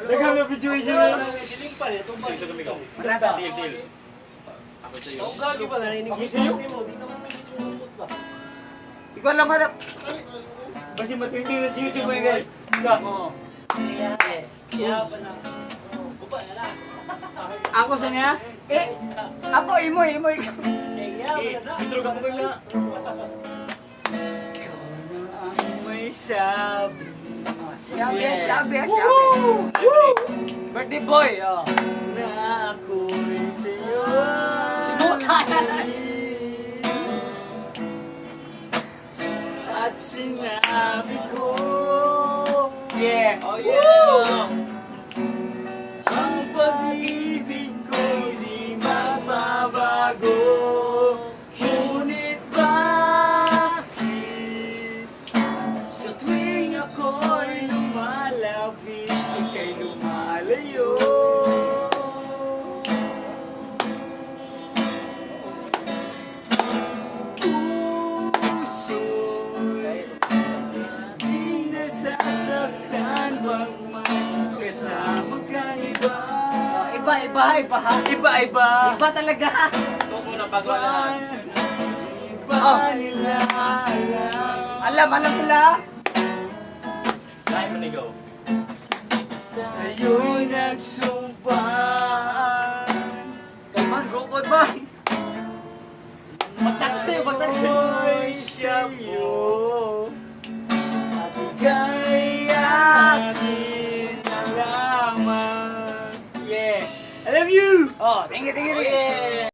Dagang na video dyan. Siling pa rin, itong Sige, kami ka. Brada. Deal. Ako sa'yo. Ang gagi ba, narinig Ako yung sa'yo? sabi mo, di naman nagigit yung malambot ba? Ikaw lang hanap. Basi matindi na sa YouTube mo guys. Ika. Kaya pa na. Baba na lang. Ako sa niya? Ako imo. Kaya pa na na. Intro ka mo kayo na. Ikaw na ang may sabi. Sabi. Birthday boy. Oh. Na ako'y sa'yo. At sinabi ko. Yeah. Oh yeah! Ang pag-ibig ko'y di mababago. Ngunit bakit sa tuwing ako'y lumalapit, ika'y lumalayo? Puso'y di nasasaktan bang may kasama kang iba? Iba. Iba. Iba talaga. Tapos muna bago na lahat. Iba nila alam. Alam nila. Lahat mo nigaw. Tayo'y nagsumpaan. Kalman, robot ba? Magtaksi. Ako'y sa'yo at ika'y akin na lamang. Yeah, I love you! Oh, tingin.